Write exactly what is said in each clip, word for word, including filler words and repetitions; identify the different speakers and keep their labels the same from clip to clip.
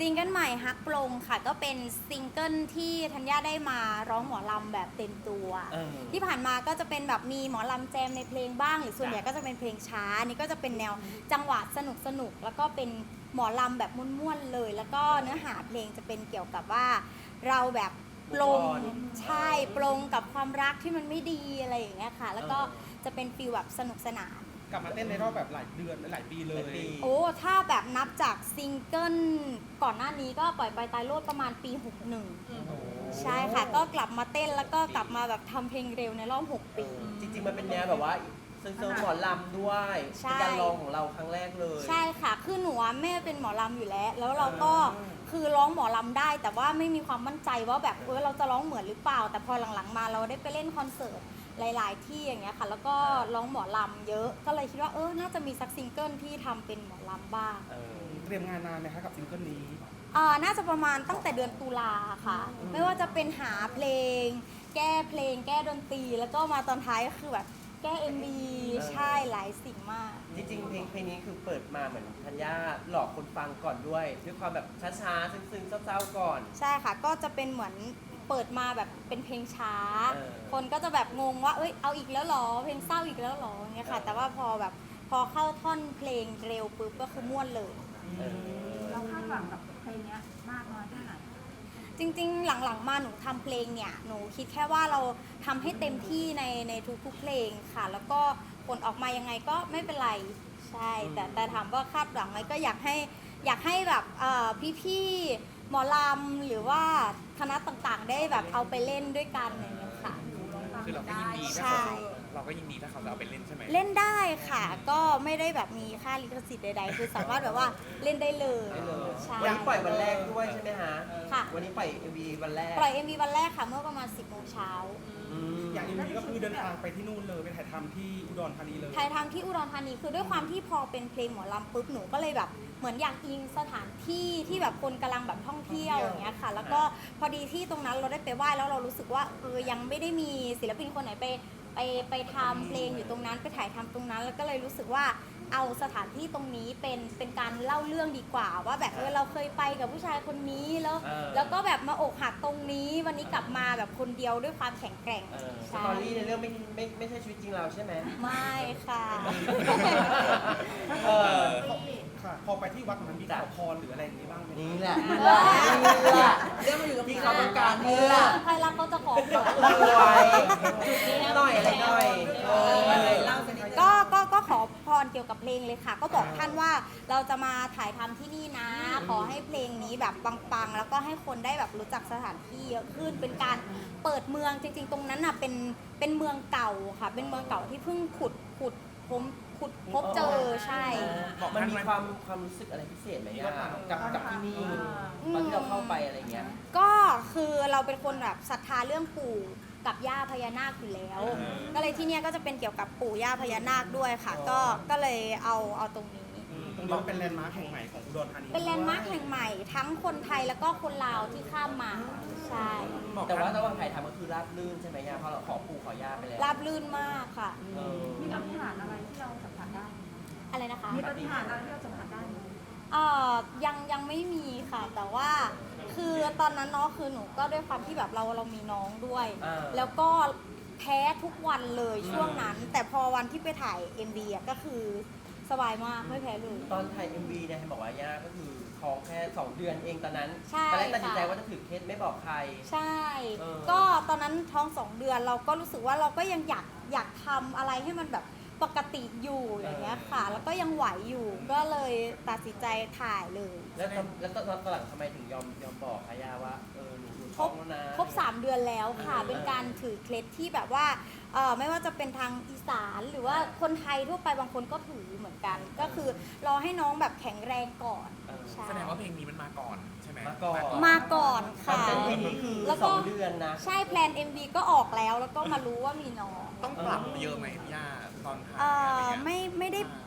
Speaker 1: ซิงเกิลใหม่ฮักปลงค่ะก็เป็นซิงเกิลที่ธัญญาได้มาร้องหมอลำแบบเต็มตัว
Speaker 2: เออ
Speaker 1: ที่ผ่านมาก็จะเป็นแบบมีหมอลำแจมในเพลงบ้างหรือส่วนใหญ่ก็จะเป็นเพลงช้านี่ก็จะเป็นแนวจังหวะสนุกสนุกแล้วก็เป็นหมอลำแบบม่วนๆเลย แล้วก็เนื้อหาเพลงจะเป็นเกี่ยวกับว่าเราแบบปลงใช่ปลงกับความรักที่มันไม่ดีอะไรอย่างเงี้ยค่ะแล้วก็จะเป็นฟีลแบบสนุกสนาน
Speaker 3: กลับมาเต้นในรอบแบบหลายเดือนหลายปีเลย
Speaker 1: โอ้ถ้าแบบนับจากซิงเกิลก่อนหน้านี้ก็ปล่อยไปตายโลดประมาณปีหกสิบเอ็ดใช่ค่ะก็กลับมาเต้นแล้วก็กลับมาแบบทำเพลงเร็วในรอบหกปี
Speaker 2: จริงๆมันเป็นแนวแบบว่าเซิร์ฟหมอลำด้วย
Speaker 1: ใช่
Speaker 2: เป็นการลองของเราครั้งแรกเลย
Speaker 1: ใช่ค่ะคือหนูอะแม่เป็นหมอลำอยู่แล้ว แล้วเราก็คือร้องหมอลำได้ แต่ว่าไม่มีความมั่นใจว่าแบบเออเราจะร้องเหมือนหรือเปล่า แต่พอหลังๆมาเราได้ไปเล่นคอนเสิร์ตหลาย ๆ ที่อย่างเงี้ยค่ะแล้วก็ร้องหมอลำเยอะก็เลยคิดว่าเออน่าจะมีสักซิงเกิลที่ทำเป็นหมอลำบ้าง
Speaker 2: เออ
Speaker 3: เตรียมงานนานไหมคะกับซิงเกิลนี้
Speaker 1: อ่าน่าจะประมาณตั้งแต่เดือนตุลาค่ะ ไม่ว่าจะเป็นหาเพลง แก้เพลง แก้ดนตรี แล้วก็มาตอนท้ายก็คือแบบแก้ เอ็ม วี ใช่หลายสิ่งมาก
Speaker 2: จริงๆเพลงเพลงนี้คือเปิดมาเหมือนธัญญาหลอกคนฟังก่อนด้วยด้วยความแบบช้าๆซึ้งๆเศร้าๆก่อน
Speaker 1: ใช่ค่ะ ก็จะเป็นเหมือนเปิดมาแบบเป็นเพลงช้า
Speaker 2: เออ
Speaker 1: คนก็จะแบบงงว่าเอ้ยเอาอีกแล้วเหรอ เพลงเศร้าอีกแล้วเหรออย่างเงี้ยค่ะ
Speaker 2: เออ
Speaker 1: แต่ว่าพอแบบพอเข้าท่อนเพลงเร็วปุ๊บก็คือม่วนเลย
Speaker 2: เออ
Speaker 4: เราคาดหวังกับเพลงนี้มากน้อยแค่ไหน
Speaker 1: จริงๆ หลังๆ มาหนูทำเพลงเนี่ย หนูคิดแค่ว่าเราทำให้เต็มที่ในในทุกๆ เพลงค่ะ แล้วก็ผลออกมายังไงก็ไม่เป็นไร ใช่ แต่แต่ถามว่าคาดหวังไหมก็อยากให้อยากให้แบบเอ่อพี่ๆ หมอลำหรือว่าคณะต่างๆ ได้แบบเอาไปเล่นด้วยกันอย่างเงี้ยค่ะ
Speaker 5: คือเราก็ยินดีถ้า
Speaker 1: ใช่
Speaker 5: เขาเราก็ยินดีถ้าเขาจะเอาไปเล่นใช่ไหม
Speaker 1: เล่นได้ค่ะ ก็ไม่ได้แบบมีค่าลิขสิทธิ์ใดๆ คือสามารถแบบว่าเล่นได้เลย
Speaker 2: ได้เลย
Speaker 1: ใช่
Speaker 2: วันนี้ปล่อยวันแรกด้วยใช่ไหมฮะ
Speaker 1: ค่ะ
Speaker 2: วันนี้ปล่อย เอ็ม วี วันแรก
Speaker 1: ปล่อย เอ็ม วี วันแรกค่ะเมื่อประมาณ สิบโมงเช้า
Speaker 2: อืม
Speaker 3: อย่างนี้ก็คือเดินทางไปที่นู่นเลยไปถ่ายทำที่อุดรธานีเลย
Speaker 1: ถ่ายทำที่อุดรธานีคือด้วยความที่พอเป็นเพลงหมอลำปุ๊บหนูก็เลยแบบเหมือนอยากอิงสถานที่ที่แบบคนกำลังแบบท่องเที่ยวอย่างเงี้ยค่ะ แล้วก็พอดีที่ตรงนั้นเราได้ไปไหว้แล้วเรารู้สึกว่าเออยังไม่ได้มีศิลปินคนไหนไปไปไปทำเพลงอยู่ตรงนั้นไปถ่ายทำตรงนั้น แล้วก็เลยรู้สึกว่าเอาสถานที่ตรงนี้เป็นเป็นการเล่าเรื่องดีกว่า ว่าแบบเออเราเคยไปกับผู้ชายคนนี้แล้ว
Speaker 2: เออ
Speaker 1: แล้วก็แบบมาอกหักตรงนี้ วันนี้กลับมาแบบคนเดียวด้วยความแข็งแกร่ง
Speaker 2: เออส
Speaker 1: ใช่
Speaker 2: ตอรี่ในเรื่องไม่ไม่ไม่ใช่ชีวิตจริงเราใช่ไหม
Speaker 1: ไม่ค่ะ
Speaker 2: เออ
Speaker 3: ค่ะ พอไปที่วัดนั้นมีขอพรหรืออะไรอย่างนี้บ้างไหม
Speaker 2: นี่แหละนี่แหละนี่แหละเรื่องมันอยู่ที่เขาต้องการนี่แหละ
Speaker 1: ใครรักเขาจะขอหวย
Speaker 2: รวยจุดนี้หน่อยอะไรหน่อยเออเล่าสักนิดนึง
Speaker 1: ก็ก็ก็ขอพรเกี่ยวกับเพลงเลยค่ะ ก็บอกท่านว่าเราจะมาถ่ายทำที่นี่นะ ขอให้เพลงนี้แบบปังๆ แล้วก็ให้คนได้แบบรู้จักสถานที่เยอะขึ้น เป็นการเปิดเมืองจริงๆ ตรงนั้นน่ะเป็นเป็นเมืองเก่าค่ะ เป็นเมืองเก่าที่เพิ่งขุดขุดผมขุดพบเจอใช่
Speaker 2: มันมีความความรู้สึกอะไรพิเศษไหมย่ากับกับที่นี่ตอนที่เราเข้าไปอะไรเงี้ย
Speaker 1: ก็คือเราเป็นคนแบบศรัทธาเรื่องปู่กับย่าพญานาคอยู่แล้ว ก็เลยที่เนี่ยก็จะเป็นเกี่ยวกับปู่ย่าพญานาคด้วยค่ะ ก็ก็เลยเอาเอาตรงนี้
Speaker 3: อืมตรงนี้มันเป็นแลนด์มาร์คแห่งใหม่ของอุดรธานี
Speaker 1: เป็นแลนด์มาร์คแห่งใหม่ทั้งคนไทยแล้วก็คนลาวที่ข้ามมา ใช่
Speaker 2: แต่ว่าระหว่างถ่ายทำก็คือราบรื่นใช่ไหมย่าเพราะเราขอปู่ขอย่าไปแล้ว
Speaker 1: ราบลื่นมากค่ะ
Speaker 2: เออ
Speaker 4: มีปฏิหารย์อะไรที่เราสัมผัสได้ไหม
Speaker 1: อะไรนะคะ
Speaker 4: มีปฏิหารย์อะไรที่เราสัมผัสได้ไหม
Speaker 1: เอ่อยังยังไม่มีค่ะ แต่ว่าคือตอนนั้นเนาะคือหนูก็ด้วยความที่แบบเราเรามีน้องด้วย
Speaker 2: อ่า
Speaker 1: แล้วก็แพ้ทุกวันเลยช่วงนั้น แต่พอวันที่ไปถ่าย เอ็ม วี อ่ะก็คือสบายมากไม่แพ้เลย
Speaker 2: ตอนถ่าย เอ็ม วี เนี่ยเห็นบอกว่าย่าก็คือท้องแค่สองเดือนเองตอนนั้น
Speaker 1: ใช่
Speaker 2: ตอนแรกตัดสินใจ
Speaker 1: ค่ะ
Speaker 2: ว่าจะถือเคสไม่บอกใคร
Speaker 1: ใช่
Speaker 2: เออ
Speaker 1: ก็ตอนนั้นท้องสองเดือนเราก็รู้สึกว่าเราก็ยังอยากอยากทำอะไรให้มันแบบปกติอยู่อย่างเงี้ยค่ะ แล้วก็ยังไหวอยู่ ก็เลยตัดสินใจถ่ายเลย
Speaker 2: แล้วตอนแล้วตอนตอนหลังทำไมถึงยอมยอมบอกคะย่าว่าเออหนูหนู
Speaker 1: ค
Speaker 2: ท้
Speaker 1: ร
Speaker 2: อบ งแล้วนะ
Speaker 1: ครบสามเดือนแล้วค่ะ
Speaker 2: เออ
Speaker 1: เป็นการถือเคล็ดที่แบบว่าเอ่อไม่ว่าจะเป็นทางอีสานหรือว่าคนไทยทั่วไปบางคนก็ถือเหมือนกัน ก็คือรอให้น้องแบบแข็งแรงก่อน
Speaker 2: เออ
Speaker 1: ใช่
Speaker 5: แสดงว่าเพลงนี้มันมาก่อนใช่ไหม
Speaker 2: มาก่อน
Speaker 1: มาก่อน
Speaker 2: ตอ
Speaker 1: ค่ะ
Speaker 2: นเป็นเพลงนี้คือ
Speaker 1: แล้ว
Speaker 2: ส
Speaker 1: ก็
Speaker 2: องเดือนนะ
Speaker 1: ใช่แพลน เอ็ม วี ก็ออกแล้ว แล้วก็มารู้ว่ามีน้อง
Speaker 5: ต้องปรับเยอะไหมพี่ย่าตอนถ่าย
Speaker 1: เอ่
Speaker 5: อะไร
Speaker 1: อ
Speaker 5: เงี้ย
Speaker 1: ไม่ไม่ได้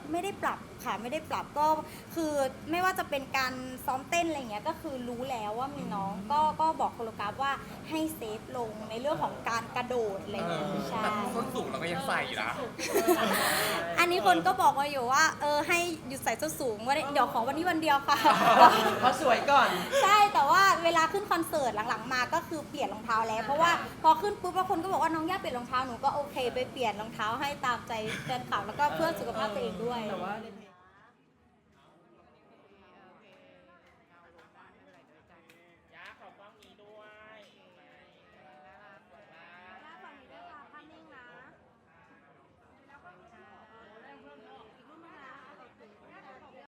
Speaker 1: ไม่ได้ปรับค่ะไม่ได้ปรับก็คือไม่ว่าจะเป็นการซ้อมเต้นอะไรเงี้ยก็คือรู้แล้วว่ามีน้องก็ก็บอกโคโรกราฟว่าให้เซฟลงในเรื่องของการกระโดดอะไร
Speaker 5: เอ
Speaker 1: เงี้ย
Speaker 5: อ
Speaker 1: ใช่
Speaker 5: แต่ส้นสูงเราก็ยังใส่อยู่นะ
Speaker 1: อันนี้คนก็บอกมาอยู่ว่าเออให้หยุดใส่ส้นสูงว่าเดี๋ยวขอวันนี้วันเดียวค่ะ
Speaker 2: เพราะสวยก่อน
Speaker 1: ใช่แต่ว่าเวลาขึ้นคอนเสิร์ตหลังๆมาก็คือเปลี่ยนรองเท้าแล้วเพราะว่าพอขึ้นปุ๊บแล้วคนก็บอกว่าน้องย่าเปลี่ยนรองเท้าหนูก็โอเคไปเปลี่ยนรองเท้าให้ตามใจแฟนคลับแล้วก็เพื่อสุขภาพตัวเองด้วย
Speaker 2: แต่ว่าในเพลง